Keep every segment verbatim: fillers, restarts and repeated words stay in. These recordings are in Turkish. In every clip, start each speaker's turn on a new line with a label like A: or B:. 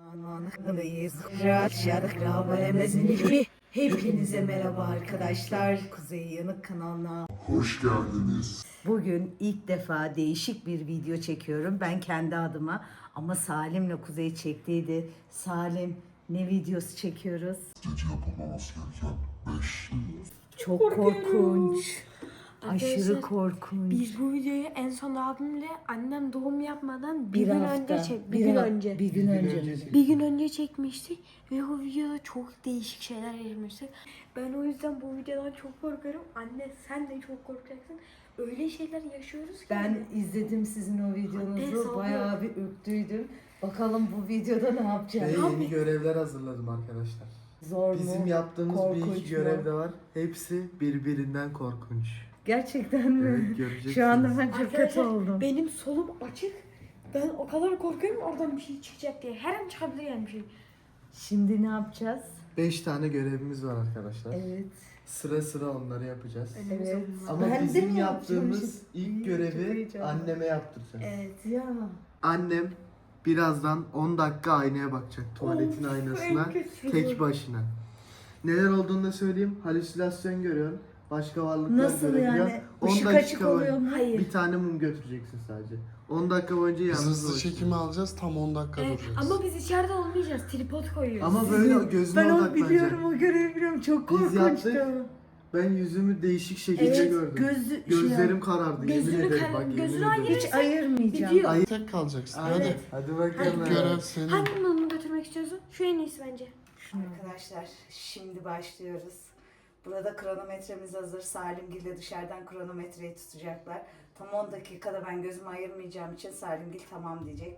A: Anlamalıyız. Rahat şarkı haberimizin Hepinize merhaba arkadaşlar. Kuzey Yanık kanalına
B: Hoş geldiniz.
A: bugün ilk defa değişik bir video çekiyorum. Ben kendi adıma ama Salim'le Kuzey çektiydi. Salim, ne videosu çekiyoruz?
B: Gece yapılmaması gereken beş şey.
A: Çok korkunç. Aşırı
C: Arkadaşlar,
A: korkunç.
C: Biz bu videoyu en son abimle annem doğum yapmadan bir,
A: bir
C: gün
A: hafta,
C: önce çek, bir,
A: bir
C: gün
A: ha-
C: önce.
A: Bir gün önce.
C: Bir gün önce çekmiştik ve o videoda çok değişik şeyler yaşamıştık. Ben o yüzden bu videodan çok korkuyorum. Anne sen de çok korkacaksın. Öyle şeyler yaşıyoruz ki.
A: Ben izledim sizin o
C: Evet,
A: videonuzu.
C: sağ
A: Bayağı bir ürktüydüm. Bakalım bu videoda ne
D: Ve
A: yapacağız?
D: yeni görevler hazırladım arkadaşlar.
A: Zor mu?
D: Bizim yaptığımız bir
A: Korkunç
D: iki
A: mu?
D: görev de var. Hepsi birbirinden korkunç.
A: Gerçekten mi?
D: Evet, göreceksiniz.
A: Şu anda ben çok kötü
C: Arkadaşlar,
A: oldum.
C: benim solum açık. Ben o kadar korkuyorum oradan bir şey çıkacak diye. Her an çıkabilir yani bir şey.
A: Şimdi ne yapacağız?
D: Beş tane görevimiz var arkadaşlar.
A: Evet.
D: Sıra sıra onları yapacağız.
A: Evet.
D: Ama
A: Ben de
D: bizim
A: mi
D: yaptığımız
A: yapacağım
D: ilk
A: şimdi? Çok
D: görevi
A: heyecanlı.
D: anneme yaptıracağız.
C: Evet.
A: Ya.
D: Annem birazdan on dakika aynaya bakacak. Tuvaletin
C: Of,
D: aynasına.
C: en kötüsü
D: Tek
C: bu.
D: başına. Neler olduğunu da söyleyeyim. Halüsinasyon görüyorsun. Başka varlıklar
A: Nasıl
D: görebiliyor.
A: yani?
D: on
A: Işık
D: dakika
A: açık oluyor
D: boyunca-
A: mu?
C: Hayır.
D: Bir tane mum götüreceksin sadece. on dakika boyunca
E: Biz
D: yalnız
E: hızlı
D: dolaşacaksın.
E: çekimi alacağız, tam on dakika
C: Evet,
E: duracağız.
C: ama biz içeride olmayacağız. Tripod koyuyoruz.
D: Ama böyle gözüne
A: Ben onu
D: odaklanacak.
A: biliyorum, o görevi biliyorum. Çok
D: Biz
A: korkunçtu.
D: yaptık. Ben yüzümü değişik şekilde
A: Evet,
D: gördüm.
A: gözü,
D: Gözlerim karardı.
C: Gözünü
D: yemin ederim
C: kar-
D: bak yemin
C: gözünü
D: ederim.
C: ayır-
A: hiç ayırmayacağım.
C: Gidiyor.
D: Ay-
E: Tek kalacaksın,
D: Hadi.
E: hadi.
D: Hadi bakalım.
E: İlk görev senin.
C: Hangi mumu götürmek istiyorsun? Şu en iyisi bence.
A: Arkadaşlar şimdi başlıyoruz. Burada kronometremiz hazır. Salimgil de dışarıdan kronometreyi tutacaklar. Tam on dakikada ben gözümü ayırmayacağım için Salimgil tamam diyecek.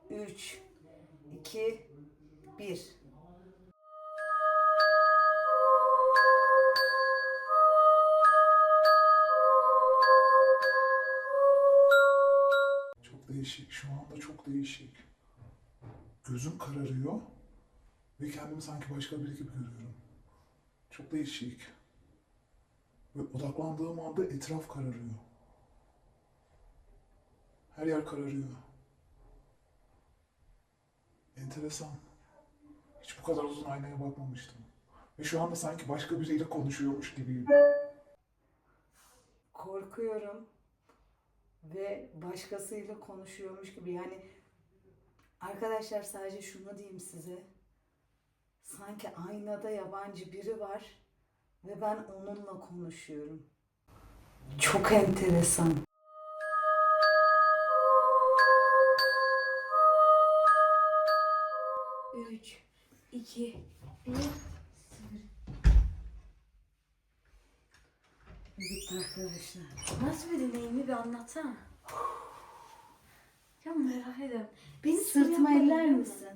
A: üç, iki, bir.
B: Çok değişik. Şu anda çok değişik. Gözüm kararıyor. Ve kendimi sanki başka biri gibi görüyorum. Çok değişik. Ve odaklandığım anda etraf kararıyor. Her yer kararıyor. Enteresan. Hiç bu kadar uzun aynaya bakmamıştım. Ve şu anda sanki başka biriyle konuşuyormuş gibiyim.
A: Korkuyorum ve başkasıyla konuşuyormuş gibi. Yani arkadaşlar sadece şunu diyeyim size. Sanki aynada yabancı biri var ve ben onunla konuşuyorum. Çok enteresan.
C: üç, iki, bir.
A: Bitti arkadaşlar.
C: Nasıl bir deneyimi bir anlatsana. Ya merak ediyorum. Beni
A: Sırtıma
C: soruyan
A: eller
C: var mı?
A: misin?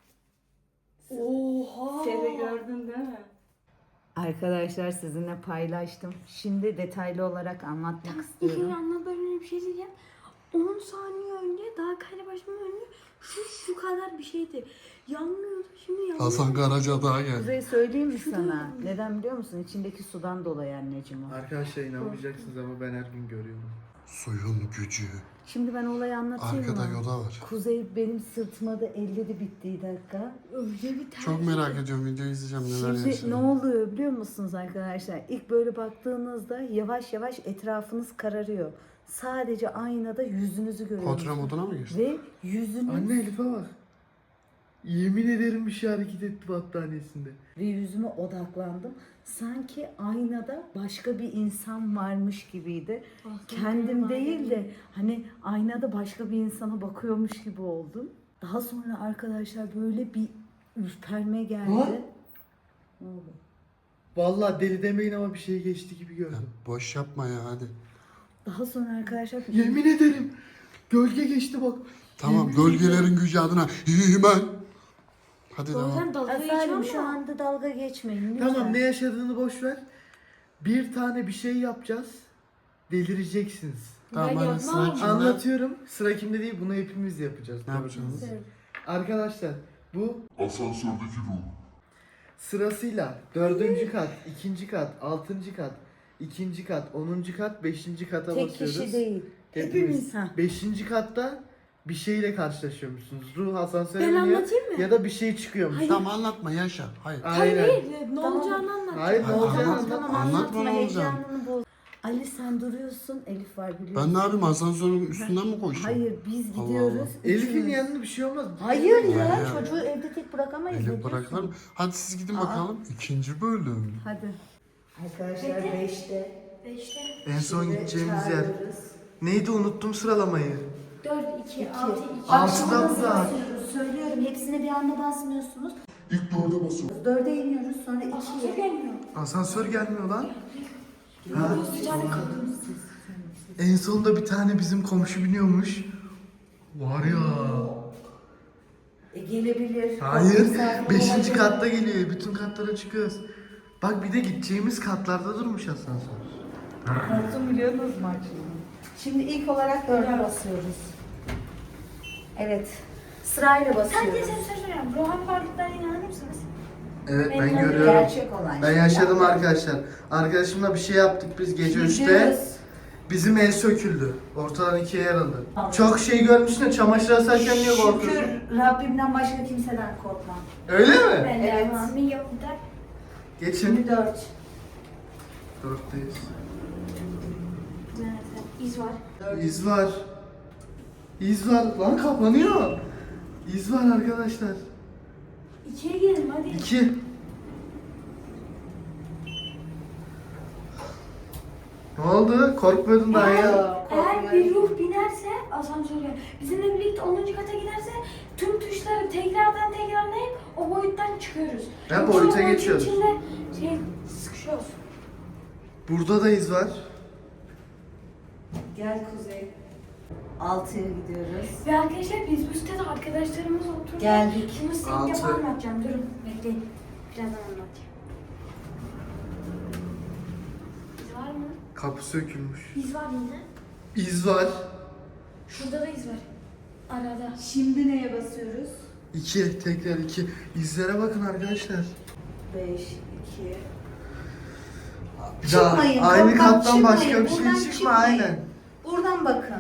C: Oha.
A: Seni gördün değil mi? Arkadaşlar sizinle paylaştım. Şimdi detaylı olarak anlatmak
C: İlk
A: istiyorum.
C: önce anlat böyle bir şey diyeceğim. on saniye önce daha kayda başlamadan önce şu şu kadar bir şeydi. Yanmıyordu şimdi yanmıyor.
E: Hasan Karaca daha geldi.
A: Kuzey söyleyeyim mi sana? Neden biliyor musun? İçindeki sudan dolayı anneciğim o.
D: Arkadaşlar inanmayacaksınız ama ben her gün görüyorum.
E: Suyun gücü.
A: Şimdi ben olayı anlatayım
E: Arkada
A: mı?
E: Yoda var.
A: Kuzey benim sırtıma da elledi bittiği dakika.
C: Öyle bir ters.
E: Çok merak ediyorum, videoyu izleyeceğim neler
A: Şimdi ne
E: yaşanıyor.
A: oluyor biliyor musunuz arkadaşlar? İlk böyle baktığınızda yavaş yavaş etrafınız kararıyor. Sadece aynada yüzünüzü görüyorsunuz.
E: Portre moduna mı geçti?
A: Ve yüzünüz
D: Anne Elif'e bak. Yemin ederim bir şey hareket etti battaniyesinde.
A: ve yüzüme odaklandım. Sanki aynada başka bir insan varmış gibiydi. Kendim değil de hani aynada başka bir insana bakıyormuş gibi oldum. Daha sonra arkadaşlar böyle bir ürperme geldi.
D: Lan!
A: Ne oldu?
D: Vallahi deli demeyin ama bir şey geçti gibi
E: Ya
D: gördüm.
E: boş yapma ya, hadi.
A: Daha sonra arkadaşlar
D: Yemin ederim. Gölge geçti bak.
E: Tamam, gölgelerin gücü adına hemen. Hadi devam.
C: Bazen dalga
A: Asalim
C: geçiyorum
A: şu
C: ama.
A: anda dalga geçmeyin lütfen.
D: Tamam, ne yaşadığını boş ver. Bir tane bir şey yapacağız. Delireceksiniz.
E: Tamam,
C: Ben
E: hadi
C: yapmam.
E: sıra kimde?
D: Anlatıyorum. Sıra kimde değil, bunu hepimiz yapacağız.
E: Ne yapacaksınız?
D: Arkadaşlar bu
B: Asansördeki ruh.
D: sırasıyla dördüncü kat, ikinci kat, altıncı kat, ikinci kat, onuncu kat, beşinci kata
A: Tek
D: basıyoruz.
A: kişi değil.
D: Hepimiz.
A: Hepimiz. Ha.
D: Beşinci katta bir şeyle karşılaşıyormuşsunuz. Ruh asansöre
C: Ben
D: biniyor
C: anlatayım mı?
D: ya da bir şey çıkıyormuş.
C: Hayır.
E: Tamam anlatma yaşa. Hayır.
C: Hayır
D: Aynen.
C: hayır ne
A: Tamam.
C: olacağını anlat.
D: Hayır ne
E: Hayır,
D: olacağını
E: anlat.
D: anlat.
A: Tamam
E: Anlatma,
A: anlatma,
E: ne olacak?
A: heyecanını boz. Ali sen duruyorsun, Elif var biliyorsun.
E: Ben ne yapayım asansörün üstünden mi koşayım?
A: Hayır biz
E: Allah
A: gidiyoruz.
E: Allah.
D: Elif'in
A: üçümüz.
D: yanında bir şey olmaz.
A: Hayır ya,
E: Hayır.
A: çocuğu evde tek bırakamayız. ne
E: Elif
A: diyorsun?
E: bırakılır mı? Hadi siz gidin
A: Aa.
E: bakalım. İkinci bölüm.
A: Hadi. Arkadaşlar beşte.
C: Beşte.
D: En son
A: Şimdi
D: gideceğimiz yer.
A: çağırıyoruz.
D: Neydi unuttum sıralamayı.
C: Dört, iki, altı, iki.
A: Bak
D: Altıda
A: şimdi nasıl
D: burada.
A: basıyoruz söylüyorum. Hepsine bir anda basmıyorsunuz.
B: İlk dörde basıyorum.
A: Dörde iniyoruz sonra
C: Asansör
A: ikiye.
C: gelmiyor.
D: Asansör gelmiyor lan.
C: Ha. Bir tane kaldı.
D: En sonunda bir tane bizim komşu biniyormuş. Var ya.
A: E, gelebilir.
D: Hayır.
A: Misafir
D: Beşinci
A: olabilir.
D: katta geliyor. Bütün katlara çıkıyoruz. Bak bir de gideceğimiz katlarda durmuş asansör.
A: Korktum biliyorsunuz mu şimdi? Şimdi ilk olarak dörde basıyoruz. Evet. Sırayla
C: Sadece
A: basıyoruz.
C: sen soruyorum. Ruhani varlıklarına inanır mısınız?
D: Evet ben
C: Ben
D: görüyorum.
A: Gerçek olan
D: Ben
A: şey.
D: yaşadım arkadaşlar. Arkadaşımla bir şey yaptık biz gece üçte.
A: Gidiyoruz.
D: Bizim el söküldü. Ortadan ikiye yarıldı.
A: Tamam.
D: Çok şey görmüşsün de çamaşır asarken niye korkuyorsun?
A: Şükür Rabbimden başka kimseden korkmam.
D: Öyle mi?
C: Ben de
A: Evet.
C: evet. Milyon der.
D: Geçin.
A: Şimdi dört.
D: Dörtteyiz.
C: Nerede? İz var.
D: İz var. İz var. Lan kapanıyor. İz var arkadaşlar.
C: İkiye gelin hadi.
D: İki. Ne oldu? Korkmuyordun daha ya.
C: Eğer bir ruh binerse asansöre, bizimle birlikte onuncu kata giderse tüm tuşları tekrardan tekrarlayıp o boyuttan çıkıyoruz.
D: Ha,
C: Yoksa
D: boyuta
C: o boyutun
D: geçiyoruz.
C: içinde şey sıkışıyoruz.
D: Burada da iz var.
A: Gel Kuzey. Altıya gidiyoruz.
C: Ve arkadaşlar biz bu sitede arkadaşlarımız oturup
A: Geldik.
C: Şimdi size
D: Altı.
C: ilk defa anlatacağım. Durun bekleyin. Birazdan anlatacağım. İz var mı?
D: Kapı sökülmüş.
C: İz var yine.
D: İz var.
C: Şurada da iz var. Arada.
A: Şimdi neye basıyoruz?
D: İki. Tekrar iki. İzlere bakın arkadaşlar.
A: Beş, iki.
D: Bir daha
A: Çıkmayın,
D: aynı
A: kaptan
D: kattan başka
A: çıkmayın,
D: bir şey
A: buradan
D: çıkma
A: çıkmayın.
D: aynen.
A: Buradan bakın.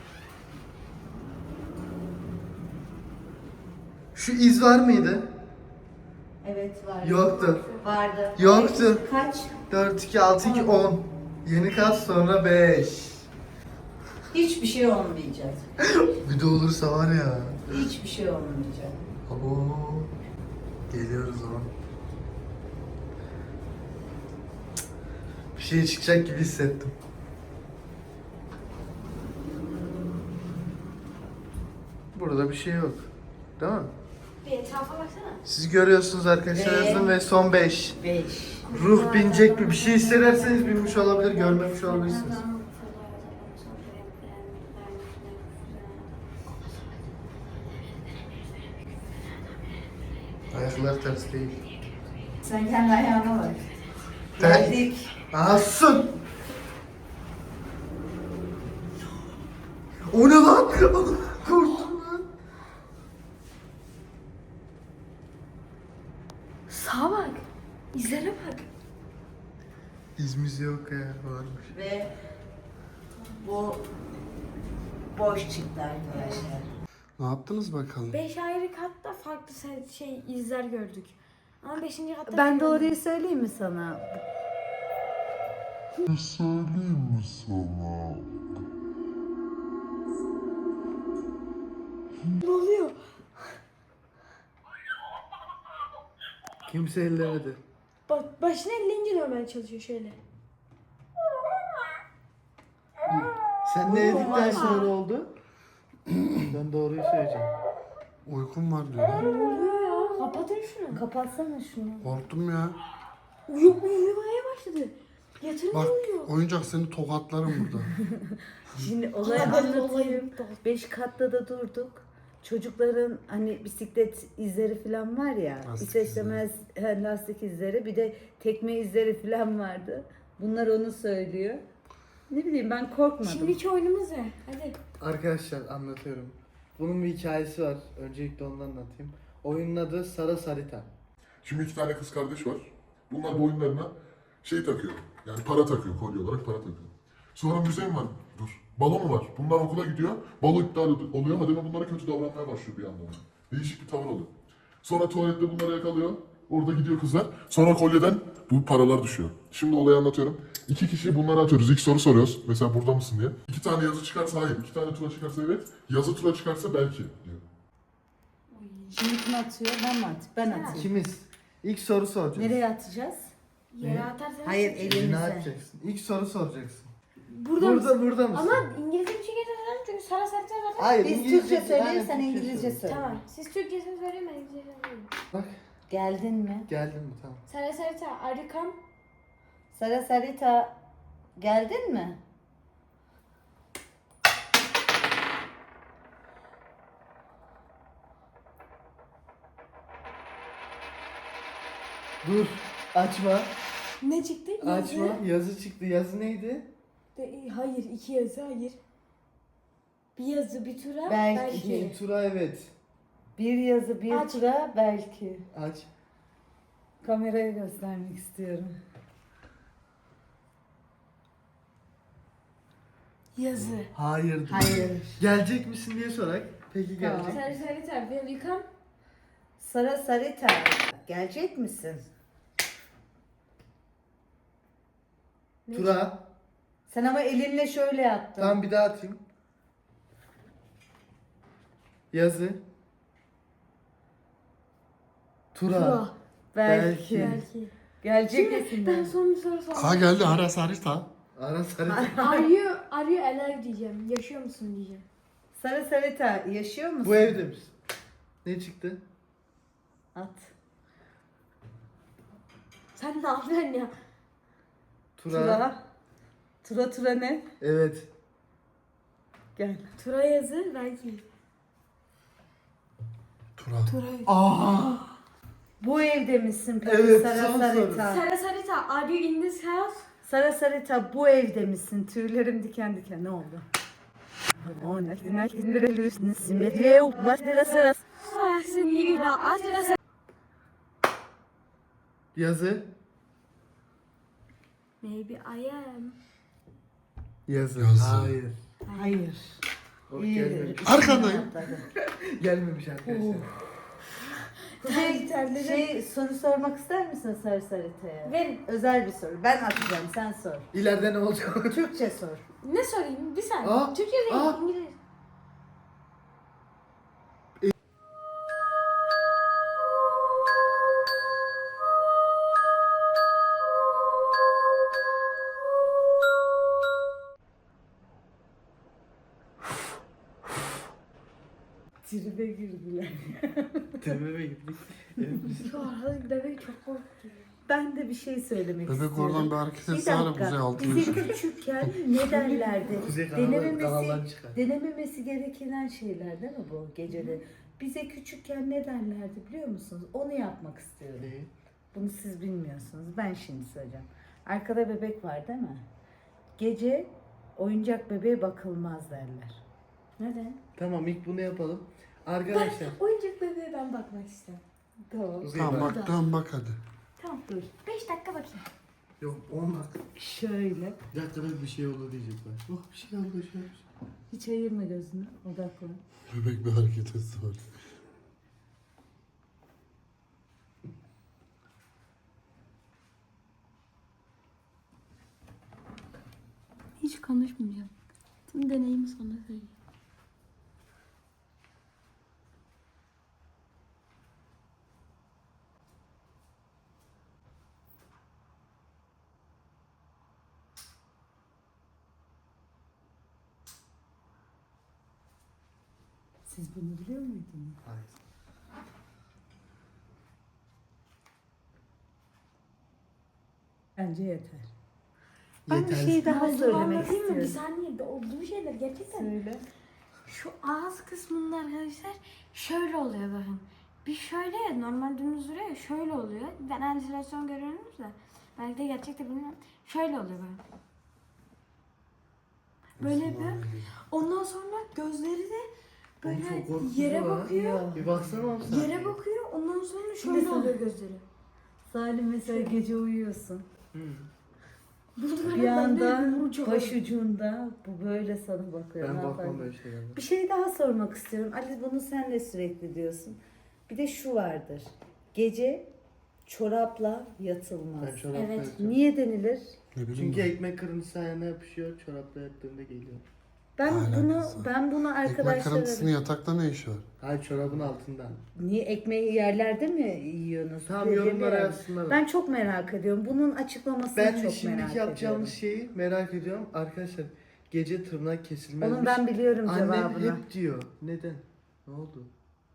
D: Şu iz var mıydı?
A: Evet var.
D: Yoktu.
A: Vardı.
D: Yoktu.
A: Kaç?
D: dört, iki, altı, iki, on. Yeni kat sonra beş.
A: Hiçbir şey olmayacak.
D: Bir de olursa var ya.
A: Hiçbir şey olmayacak.
D: Abo. Geliyoruz ama. Bir şey çıkacak gibi hissettim. Burada bir şey yok. Değil mi?
C: Bir etrafa baksana.
D: Siz görüyorsunuz arkadaşlar
A: Ve-
D: yazın ve son beş.
A: Beş.
D: Ruh binecek mi? Bir şey hissederseniz binmiş olabilir, görmemiş olabilirsiniz. Ayaklar ters değil.
A: Sen kendi ayağına bak.
D: Ters.
A: Geldik.
D: Aha sun! O ne lan? Korktum lan.
C: Sağa bak. İzlere bak.
D: İzimiz yok ya, varmış.
A: Ve bu boş çıktı arkadaşlar.
E: Ne yaptınız bakalım?
C: Beş ayrı katta farklı se- şey izler gördük. Ama beşinci katta...
A: Ben doğruyu söyleyeyim mi sana?
C: Ne oluyor?
D: Kimse ellemedi.
C: Bak başına elleyince normal çalışıyor şöyle.
D: Sen ne dedikten
A: Olmaz.
D: sonra oldu? Ben doğruyu söyleyeceğim.
E: Uykum var diyor.
C: Ne oluyor ya? Kapatın şunu.
A: Kapatsana şunu.
E: Korktum ya.
C: Uyu uyumaya başladı. Yatırınca
E: Bak
C: uyuyor.
E: oyuncak seni tokatlarım burada.
A: Şimdi olayı
C: Aa,
A: anlatayım.
C: olayım.
A: Beş katta da durduk. Çocukların hani bisiklet izleri falan var ya.
E: Lastik
A: İster istemez he, lastik izleri. Bir de tekme izleri falan vardı. Bunlar onu söylüyor. Ne bileyim ben korkmadım.
C: Şimdiki oyunumuz ne? Hadi.
D: Arkadaşlar anlatıyorum. Bunun bir hikayesi var. Öncelikle onu anlatayım. Oyunun adı Sara Sarita.
B: Şimdi iki tane kız kardeş var. Bunlar boyunlarına şey takıyor. Yani para takıyor, kolye olarak para takıyor. Sonra müze mi var? Dur.
F: Balo mu var? Bunlar okula gidiyor. Balo iptal oluyor. Hademe bunlara kötü davranmaya başlıyor bir anda ona. Değişik bir tavır oluyor. Sonra tuvalette bunları yakalıyor. Orada gidiyor kızlar. Sonra kolyeden bu paralar düşüyor. Şimdi olayı anlatıyorum. İki kişi bunları atıyoruz. İlk soru soruyoruz. Mesela burada mısın diye. İki tane yazı çıkarsa hayır. İki tane tura çıkarsa evet. Yazı tura çıkarsa belki diyor.
A: Şimdi kim atıyor? Ben mi atayım? Ben atayım.
D: İkimiz. İlk soru soracağız.
A: Nereye atacağız?
C: Yere atarsanız.
A: Hayır,
C: çok-
D: Eline
A: elimize.
D: atacaksın. İlk soru soracaksın.
C: Burada,
D: Burada
C: mısın?
D: burada mısın?
C: Ama İngilizce bir şey getireceğim çünkü Sara Sarıta zaten.
D: Hayır,
A: Biz
D: İngilizce-
A: Türkçe söyleyelim,
D: Aynen,
A: sen
D: Türkçe
A: İngilizce
D: söyle.
A: söyle.
C: Tamam. Siz Türkçesini söyleyin ben İngilizcesini söyleyeyim.
D: Bak
A: Geldin mi?
D: geldin mi tamam.
C: Sara Sarıta, are you come?
A: Sara Sarita, geldin mi?
D: Dur açma.
C: Ne çıktı? Yazı.
D: Açma. Yazı çıktı. Yazı neydi?
C: De- hayır, iki yazı, hayır. Bir yazı, bir tura,
A: Belki.
C: belki.
D: İkinci tura evet.
A: Bir yazı, bir
C: Aç.
A: tura belki.
D: Aç.
A: Kameraya göstermek istiyorum.
C: Yazı.
D: Hayır.
A: Hayır.
D: Gelecek misin diye sorak. Peki
A: Tamam.
D: gelecek.
C: Sara Sarıta, will you come?
A: Sara Sarita, gelecek misin?
D: Tura.
A: Sen ama elinle şöyle yaptın.
D: Tamam bir daha atayım. Yazı. Tura.
C: Tura.
A: Belki.
D: Belki.
C: Belki.
A: Gelecek
C: Şimdi
A: misin?
C: ben son bir soru soracağım.
E: Ha geldi Ara Sarita.
D: Ara sarı.
C: Are you, are you alive diyeceğim. Yaşıyor musun diyeceğim.
A: Sara Sarita, yaşıyor musun?
D: Bu evde misin? Ne çıktı?
A: At.
C: Sen ne yapıyorsun ya?
D: Tura.
A: Tura. Tura tura ne?
D: Evet.
A: Gel.
C: Tura yazı belki.
E: Tura.
C: Tura.
D: Aa.
A: Bu evde misin peki
D: Evet,
A: Sara
D: son
A: Sarita?
C: Sara Sarita, are you in this house?
A: Sara Sarita, bu evde misin? Tüylerim diken diken, ne oldu?
D: Yazı.
C: Maybe I am.
D: Yazı.
E: Yazı.
D: Hayır.
A: Hayır.
D: O
A: İyi.
D: gelmemiş.
E: Arkandayım.
D: Gelmemiş arkadaşlar.
A: Şey, şey, soru sormak ister misin Sara Sarita'ya?
C: Verin.
A: Özel bir soru. Ben atacağım, sen sor.
D: İleride ne olacak?
A: Türkçe sor.
C: Ne sorayım? Bir saniye.
D: Aa,
C: Türkçe değil,
D: aa.
C: İngilizce.
A: Tribe girdiler.
D: Tepeme gittik. Evet, biz-
C: Şu arada bebek çok korktu.
A: Ben de bir şey söylemek
E: Bebek
A: istiyorum.
E: oradan bir hareket
A: Bir
E: etse hala
A: dakika.
E: kuzey altına
A: Bize
E: düşer.
A: küçükken ne derlerdi?
D: Kuzey kanalı, kanaldan
A: denememesi,
D: çıkar.
A: denememesi gereken şeyler değil mi bu gecede? Bize küçükken ne derlerdi biliyor musunuz? Onu yapmak istiyorum.
D: Ne?
A: Bunu siz bilmiyorsunuz. Ben şimdi söyleyeceğim. Arkada bebek var değil mi? Gece oyuncak bebeğe bakılmaz derler. Neden?
D: Tamam ilk bunu yapalım. Arkadaşlar.
C: Oyuncak bebeğe ben bakmak istedim.
A: Tamam.
D: Kuzey
E: Tamam
D: bak.
E: bak tamam bak hadi.
A: Tamam dur.
C: Beş dakika bakayım.
D: Yok on dakika.
A: Şöyle.
D: Bir dakikada bir şey oldu diyecekler. Oh bir şey oldu bir şey oldu.
A: Hiç ayırma gözünü. Odaklan.
E: Bebek bir hareket etse var.
C: Hiç konuşmayacağım. Tüm deneyimi sana söyleyeyim.
A: Siz bunu biliyor muydunuz?
D: Hayır.
A: Bence yeter. Ben bir
D: Yeter.
A: şey daha
C: Yazılı
A: söylemek
C: anlatayım mı? Bir
A: istiyorum.
C: saniye. de Olduğu şeyler gerçekten.
A: Söyle.
C: Şu ağız kısmında arkadaşlar şöyle oluyor bakın. Bir şöyle ya, normal dümdüz duruyor ya, şöyle oluyor. Ben halüsinasyon görüyorum da. Belki de gerçekte bilmiyorum. Şöyle oluyor bakın. Böyle yapıyor. Ondan sonra gözleri de
D: Oğlum
C: böyle
D: çok korkutucu
C: yere
D: lan.
C: bakıyor.
D: Bir baksana oğlum sen.
C: Yere bakıyor. Ondan sonra
A: Şimdi
C: şöyle
A: sen-
C: oluyor gözleri.
A: Salim mesela gece uyuyorsun.
D: Hı.
A: Bir anda başucunda bu böyle sana bakıyor.
D: Ben
A: Ne
D: bakmam
A: yapar?
D: böyle şeylerden.
A: Bir şey daha sormak istiyorum. Ali bunu sen de sürekli diyorsun. Bir de şu vardır. Gece çorapla yatılmaz.
D: Ben çorapla
C: Evet.
D: yatıyorum.
A: Niye denilir?
E: Ne bileyim
D: Çünkü
E: ben.
D: ekmek kırıntısı ayağına yapışıyor, çorapla yattığında geliyor.
A: Ben
E: Alakası
A: bunu
E: var.
A: ben bunu
E: Ekmek
A: arkadaşlara
E: kırıntısının yatakta ne işi var?
D: Hayır, çorabın altında.
A: niye ekmeği yerlerde mi yiyorsunuz?
D: Tam
A: Böyle
D: yorumlara
A: bir-
D: yazsınlar.
A: Ben çok merak ediyorum. Bunun açıklamasını
D: Ben de
A: çok
D: şimdiki
A: merak
D: yapacağımız
A: ediyorum.
D: şeyi merak ediyorum. Arkadaşlar gece tırnak kesilmezmiş.
A: Onun ben biliyorum
D: Annem
A: cevabını.
D: hep diyor. Neden? Ne oldu?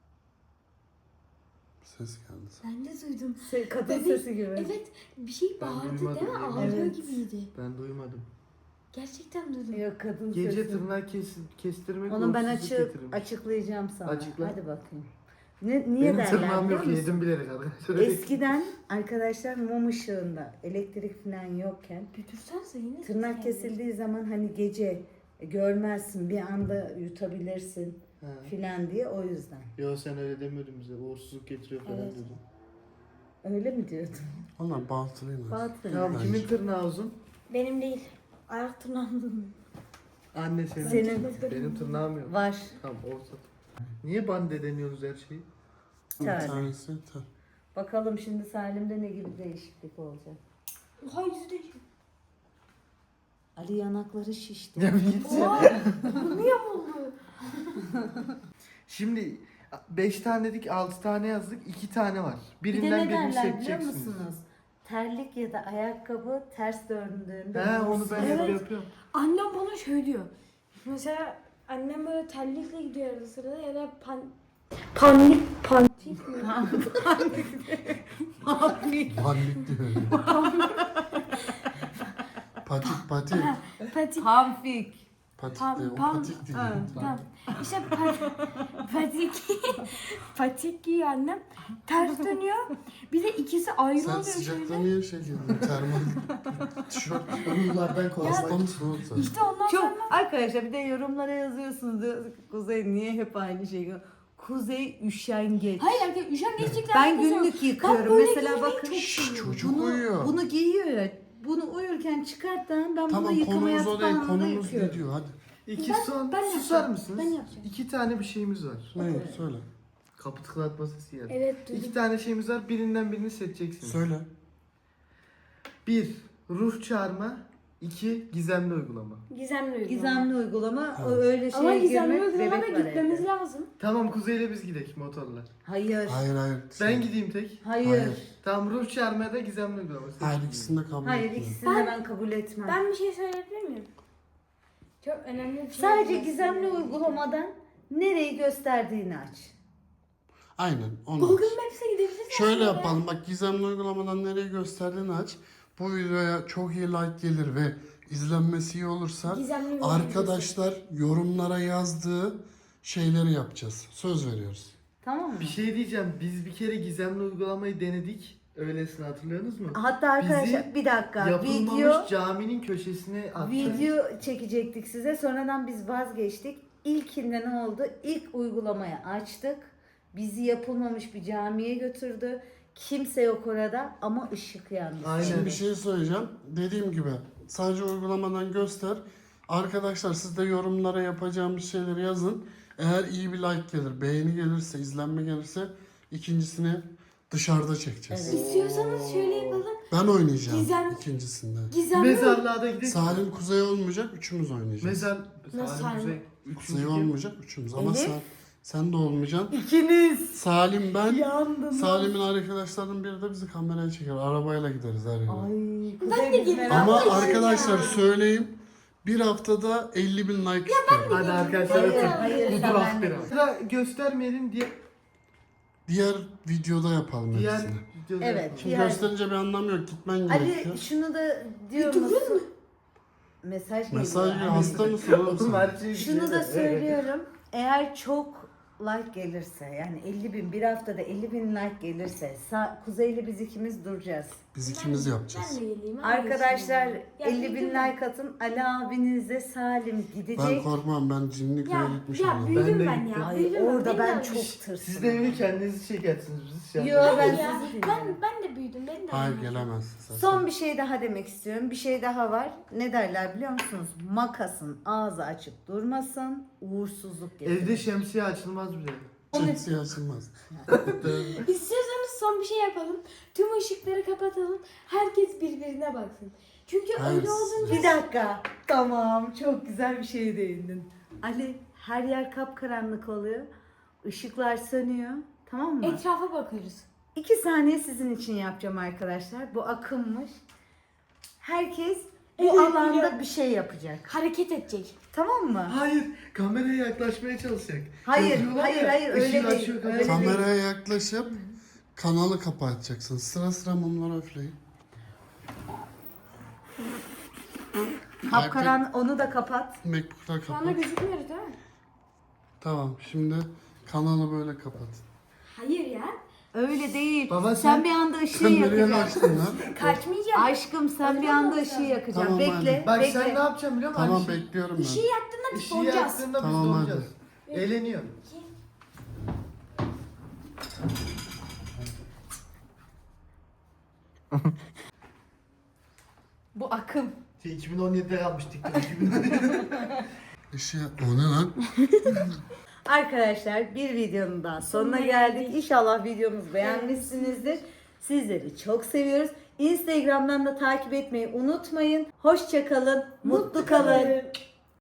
E: Ses geldi.
C: Ben de duydum.
A: Se- Kadın
C: Bebek-
A: sesi gibi.
C: Evet bir şey
D: Ben
C: bağırdı
D: duymadım,
C: değil mi?
D: yemin
C: Ağlıyor
A: ederim.
C: gibiydi.
D: Ben duymadım.
C: Gerçekten duydum.
A: Yok kadın
D: Gece
A: sesi.
D: tırnak kes, kestirmek
A: Onu ben
D: uğursuzluk
A: açık
D: getirirmiş.
A: açıklayacağım sana.
D: Açıkla.
A: Hadi bakayım. Ne, niye
D: Benim
A: derler
D: tırnağım
A: biliyor
D: yok,
A: musun?
D: yedim bilerek arkadaşlar.
A: Eskiden arkadaşlar mum ışığında elektrik falan yokken
C: Götürsense yine
A: tırnak
C: ses geldi.
A: kesildiği zaman hani gece görmezsin bir anda yutabilirsin
D: Ha.
A: filan diye o yüzden.
D: Yo, sen öyle demiyordun bize. Uğursuzluk getiriyor falan
C: Evet.
D: diyordun.
A: Öyle mi diyordun?
E: Onlar batılıyım.
A: Batıl.
D: Tamam,
E: Bence.
D: kimin tırnağı uzun?
C: Benim değil. Ayak tırnağım.
D: Anne senin.
A: Senin
D: Benim tırnağım yok.
A: var.
D: Tamam, ortada. Niye bande deniyoruz her şeyi?
E: Bir
A: tane.
E: tanesi ter.
A: Bakalım şimdi Salim'de ne gibi değişiklik olacak.
C: Oha yüzü de.
A: Ali yanakları şişti.
D: Ya bir git.
C: Oha! Niye oldu?
D: Şimdi beş tane dedik, altı tane yazdık, iki tane var.
A: Bir de
D: Birinden
A: ne
D: birini
A: derler biliyor
D: seçeceksiniz.
A: musunuz? Terlik ya da ayakkabı ters döndüğünde
D: He, onu ben hep
C: Evet.
D: yapıyorum.
C: Annem bana şöyle diyor. Mesela annem böyle terlikle gidiyor arada sırada ya da pan... Panik, panik mi?
E: Bandik diyor. patik patik.
C: Patik.
A: Pamfik.
E: Patik
C: Pam-
E: diyor. O
C: pam-
E: patik diyor.
A: Ha.
C: Tamam. İşte pat, patik. Patik giyiyor annem. Ters dönüyor. Bir de ikisi ayrı
E: Sen
C: oluyor
E: sıcakta
C: şöyle.
E: niye şey giydin? Termal tişört.
D: Uyulardan
E: Hasta
D: korkmak.
E: mısın oğlum sen?
C: İşte ondan
A: Çok
C: sonra
A: arkadaşlar bir de yorumlara yazıyorsunuz diyor. Kuzey niye hep aynı şey? Kuzey üşengeç.
C: hayır arkadaşlar üşengeçlikle
A: Ben
C: alakası yok.
A: günlük yıkıyorum.
C: böyle
A: Mesela
C: giymeyi
A: bakın
C: çok
E: Şşş,
C: seviyorum.
E: çocuk
A: bunu,
E: uyuyor.
A: bunu giyiyor ya. Bunu uyurken çıkartan ben
E: Tamam,
A: bunu yıkamaya
E: konumuz o değil.
A: tutmamda
E: Konumuz
A: yıkıyorum.
E: ne diyor? Hadi.
D: İki
C: Ben-
D: son,
C: ben
D: susar
C: yapacağım.
D: mısınız?
C: Ben yapacağım.
D: İki tane bir şeyimiz var.
E: Ne? Söyle.
D: Kapı tıklatma sesi geldi.
C: Evet
D: İki
C: duydum.
D: tane şeyimiz var, birinden birini seçeceksiniz.
E: Söyle.
D: Bir, ruh çağırma. İki, gizemli uygulama.
C: Gizemli uygulama.
A: Gizemli uygulama o
E: Evet.
A: öyle
C: Ama
A: şeye
C: gizemli
A: girmek
C: uygulamada
A: bebek var
C: gitmemiz
A: evde.
C: lazım.
D: Tamam, Kuzey'le biz gidelim motorla.
A: Hayır.
E: Hayır hayır.
D: Ben gideyim tek.
A: Hayır.
E: Hayır.
A: Hayır,
D: Tamam, ruh çağırmaya da gizemli uygulama. Seçin.
E: ikisini de kabul etmiyorum.
A: ikisini de ben kabul etmem.
C: Ben bir şey söyleyebilir miyim? Çok önemli bir şey.
A: Sadece
C: bilmesi
A: gizemli
C: gerekiyor.
A: uygulamadan nereyi gösterdiğini aç.
E: Aynen onu.
C: Google Maps'e gidebiliriz.
E: Şöyle
C: aslında ya.
E: yapalım. Bak gizemli uygulamadan nereye gösterdiğini aç. Bu videoya çok iyi like gelir ve izlenmesi iyi olursa
C: Gizemli uygulama.
E: arkadaşlar yorumlara yazdığı şeyleri yapacağız. Söz veriyoruz.
A: Tamam mı?
D: Bir şey diyeceğim. Biz bir kere gizemli uygulamayı denedik. Öylesine hatırlıyorsunuz mu?
A: Hatta arkadaşlar
D: Bizi
A: bir dakika
D: Yapılmamış
A: video
D: caminin köşesine atacağız.
A: video çekecektik size. Sonradan biz vazgeçtik. İlkinde ne oldu? İlk uygulamayı açtık. Bizi yapılmamış bir camiye götürdü. Kimse yok orada ama ışık yandı.
D: Aynen.
E: Şimdi bir şey söyleyeceğim. Dediğim gibi sadece uygulamadan göster. Arkadaşlar siz de yorumlara yapacağımız şeyleri yazın. Eğer iyi bir like gelir, beğeni gelirse, izlenme gelirse ikincisini dışarıda çekeceğiz.
A: Evet.
C: İstiyorsanız şöyle yapalım.
E: Ben oynayacağım
C: Gizem-
E: ikincisinde.
C: Gizemli
D: Mezarlığa da gidelim.
E: Salim Kuzey olmayacak, üçümüz oynayacağız.
D: Mezar...
C: Nasıl
D: Salim Kuzey.
E: Kuzey
D: Üçüncü kim?
E: olmayacak, üçümüz. Ama
A: Elif?
E: sen, sen de olmayacaksın.
A: İkiniz
E: Salim ben,
A: yandınız.
E: Salim'in arkadaşlarının biri de bizi kameraya çeker. Arabayla gideriz her yere.
A: Ay,
C: Ben de geleyim.
E: Ama
C: Ama
E: arkadaşlar söyleyeyim. Bir haftada elli bin like istiyorum.
D: Hadi arkadaşlar
A: Hayır,
D: atın.
A: hayır,
D: Bu
A: sen
D: dur
A: ben de-
D: aferin. Sıra göstermeyelim diye
E: Diğer videoda yapalım
D: diğer
E: hepsini.
D: videoda
A: Evet.
D: yapalım.
E: Şimdi
A: Diğer-
E: gösterince bir anlam yok. Gitmen gerekiyor.
A: Ali şunu da diyor
C: durur
A: musun? Mesaj geliyor.
E: Mesaj
A: Ali.
E: hasta mısın oğlum
D: Oğlum
E: sen?
D: her şey
A: Şunu da
D: güzel.
A: söylüyorum. Eğer çok like gelirse, yani elli bin, bir haftada elli bin like gelirse Sa- Kuzey'le biz ikimiz duracağız.
E: Biz ikimiz
C: Ben
E: yapacağız.
C: de geleyim.
A: Arkadaşlar
C: Ya
A: elli bin
C: büyüdüm ben.
A: like atın. Ali abinizle Salim
E: Ben
A: gidecek.
E: korkmam, ben cinli köye
C: Ya,
E: gitmiş
C: ya
E: oldum.
C: büyüdüm
D: Ben de
C: ben,
D: gittim.
C: ya.
A: Ay
C: büyüdüm
A: orada
C: Beni
A: ben
C: de
A: çok
C: almış.
A: tırsım.
D: Siz de evini kendiniz çekersiniz biz şu an.
A: Yo, ben
C: ya,
A: sizi
C: ben, ben de büyüdüm. Beni de
E: Hayır
C: almış.
E: gelemezsin sen.
A: Son bir şey daha demek istiyorum. Bir şey daha var. Ne derler biliyor musunuz? Makasın ağzı açık durmasın. Uğursuzluk getirir.
D: Evde şemsiye açılmaz bile.
E: Şemsiye açılmaz.
C: İstiyorsanız son bir şey yapalım. Tüm ışıkları kapatalım. Herkes birbirine baksın. Çünkü
E: Hayır,
C: öyle olunca
A: Bir dakika. Tamam. Çok güzel bir şeye değindin. Ali, her yer kapkaranlık oluyor. Işıklar sönüyor. Tamam mı?
C: etrafa bakarız.
A: İki saniye sizin için yapacağım arkadaşlar. Bu akımmış. Herkes bu
C: Evet,
A: alanda
C: biliyorum.
A: bir şey yapacak.
C: Hareket edecek.
A: Tamam mı?
D: Hayır, kameraya yaklaşmaya çalışacak.
A: Hayır,
D: Yapıyorlar
A: hayır,
D: ya,
A: hayır,
D: ışığı
A: öyle değil,
D: açıyor,
A: öyle
D: kamerayı-
A: değil.
E: Kameraya yaklaşıp kanalı kapatacaksın. Sıra sıra mumları üfleyin.
A: Kapkaran onu da kapat.
E: Macbook'lar
C: Şu anda
E: kapat.
C: gözükmüyoruz değil mi?
E: Tamam, şimdi kanalı böyle kapat.
C: Hayır ya.
A: Öyle değil.
D: Baba
A: sen,
D: sen-
A: bir anda ışığı
E: Sen nereye
A: yakacaksın.
E: kaçtın lan?
C: Kaçmayacağım.
A: Aşkım sen bir anda ışığı yakacaksın.
E: Tamam,
A: bekle,
E: hadi.
D: Bak
A: bekle.
D: sen ne yapacaksın biliyor musun?
E: Tamam
D: Hani
E: bekliyorum ben.
C: Işığı yaktığında biz
D: Işığı
C: donacağız.
D: yaktığında biz
E: Tamam,
D: donacağız. Eğleniyor.
A: Bu akım.
D: Şey, iki bin on yedide almıştık. iki bin on yedi.
E: Işığı... O ne lan?
A: Arkadaşlar bir videonun daha sonuna geldik. İnşallah videomuzu beğenmişsinizdir. Sizleri çok seviyoruz. Instagram'dan da takip etmeyi unutmayın. Hoşça kalın, mutlu kalın.